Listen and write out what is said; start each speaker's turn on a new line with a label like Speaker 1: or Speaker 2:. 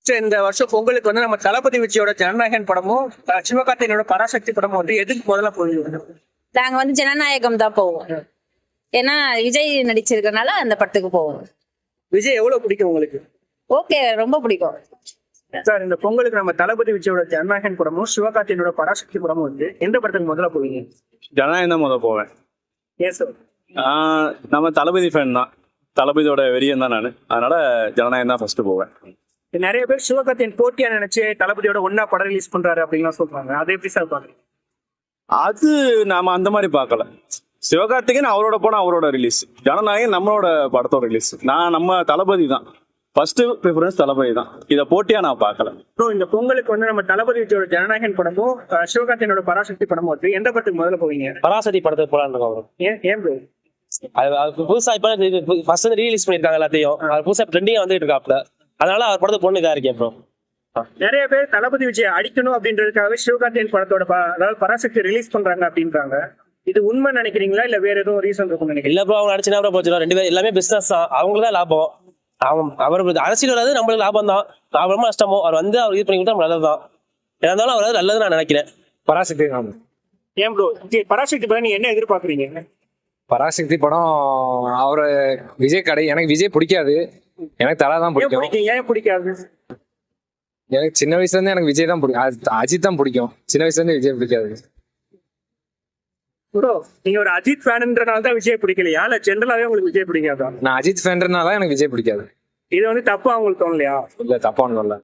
Speaker 1: சரி, இந்த வருஷம் பொங்கலுக்கு வந்து நம்ம தளபதி விஜயோட ஜனநாயகன் படமும் சிவகார்த்திகேயனோட பராசக்தி படமும் வந்து எதுக்கு முதல்ல போயிருக்கோம்?
Speaker 2: நாங்க வந்து ஜனநாயகம் தான் போவோம். ஏன்னா விஜய் நடிச்சிருக்கனால அந்த படத்துக்கு போவோம்.
Speaker 1: விஜய் எவ்வளவு பிடிக்கும் உங்களுக்கு?
Speaker 2: ஓகே, ரொம்ப பிடிக்கும்.
Speaker 1: சார், இந்த பொங்கலுக்கு நம்ம தளபதி விஜயோட ஜனநாயகன் படமும் சிவகார்த்திகேயனோட பராசக்தி படமும் வந்து எந்த படத்துக்கு முதல்ல போவீங்க?
Speaker 3: ஜனநாயகம் தான் முதல் போவேன்.
Speaker 1: ஏன் சார்?
Speaker 3: நம்ம தளபதி ஃபேன் தான், தளபதியோட வெறியன் தான் நான். அதனால ஜனநாயகம் தான் ஃபர்ஸ்ட் போவேன்.
Speaker 1: நிறைய பேர் சிவகார்த்திகேயன் போட்டியா நினைச்சு தளபதியோட ஒன்னா படம் ரிலீஸ் பண்றாரு அப்படின்லாம் சொல்றாங்க. அதை எப்படி சார் பாக்குறீங்க?
Speaker 3: அது நாம அந்த மாதிரி பார்க்கல. சிவகார்த்திகேயன் அவரோட படம் அவரோட ரிலீஸ், ஜனநாயகம் நம்மளோட படத்தோட ரிலீஸ். நம்ம தளபதி தான் ஃபர்ஸ்ட் ப்ரிஃபரன்ஸ், தளபதி தான். இதை போட்டியா நான் பார்க்கல.
Speaker 1: ப்ரோ, இந்த பொங்கலுக்கு வந்து நம்ம தளபதி விஜயோட ஜனநாயகன் படமும் சிவகார்த்திகேயனோட பராசக்தி படமும் வந்து எந்த படத்துக்கு முதல்ல போவீங்க?
Speaker 4: பராசக்தி படத்துக்கு போலான்னு இருக்கோம்.
Speaker 1: ஏன் ப்ரோ?
Speaker 4: அது புதுசா இப்ப ஃபர்ஸ்ட் வந்து ரீலீஸ் பண்ணிருக்காங்க எல்லாத்தையும். அது புதுசா ட்ரெண்டிங்கா வந்துட்டு இருக்காப்ல. அதனால அவர் படத்துக்கு பொண்ணு இதா இருக்கேன் ப்ரோ.
Speaker 1: நிறைய பேர் தளபதி விஜய் அடிக்கணும் அப்படின்றதுக்காக சிவகார்த்திகேயன் படத்தோட அதாவது பராசக்தி ரிலீஸ் பண்றாங்க அப்படின்றாங்க. இது உண்மை நினைக்கிறீங்களா இல்ல வேற எதுவும் ரீசன் இருக்கும் நினைக்கிறீங்க?
Speaker 4: இல்ல ப்ரோ, அவங்க நடிச்சுனா கூட போச்சு. ரெண்டு பேரும் எல்லாமே பிசினஸ் தான், அவங்களுக்கு தான் லாபம். அவர் அரசியல் வராது, நம்மளுக்கு லாபம் தான். லாபமா நஷ்டமோ அவர் வந்து அவர் இது பண்ணி கொடுத்தா நல்லதுதான். இருந்தாலும் அவர் நல்லது நான் நினைக்கிறேன்.
Speaker 5: பராசக்தி.
Speaker 1: ஏன் ப்ரோ பராசக்தி படம் நீங்க என்ன எதிர்பார்க்குறீங்க?
Speaker 5: பராசக்தி படம் அவரு விஜய் கடை. எனக்கு விஜய் பிடிக்காது, எனக்கு தலா தான் பிடிக்கும்.
Speaker 1: ஏன் பிடிக்காது?
Speaker 5: எனக்கு சின்ன வயசுல இருந்து எனக்கு விஜய் தான் பிடிக்கும், அஜித் தான் பிடிக்கும். சின்ன வயசுல இருந்து விஜய் பிடிக்காது.
Speaker 1: ப்ரோ, நீங்க ஒரு அஜித் ஃபேன்ன்றனால தான் விஜய் பிடிக்கலையா இல்ல ஜென்ரலாவே உங்களுக்கு விஜய் பிடிக்காதா?
Speaker 5: நான் அஜித் ஃபேன்றனால எனக்கு விஜய் பிடிக்காது.
Speaker 1: இது வந்து தப்பா உங்களுக்கு தோணலையா?
Speaker 5: இல்ல, தப்பா ஒண்ணும் இல்ல.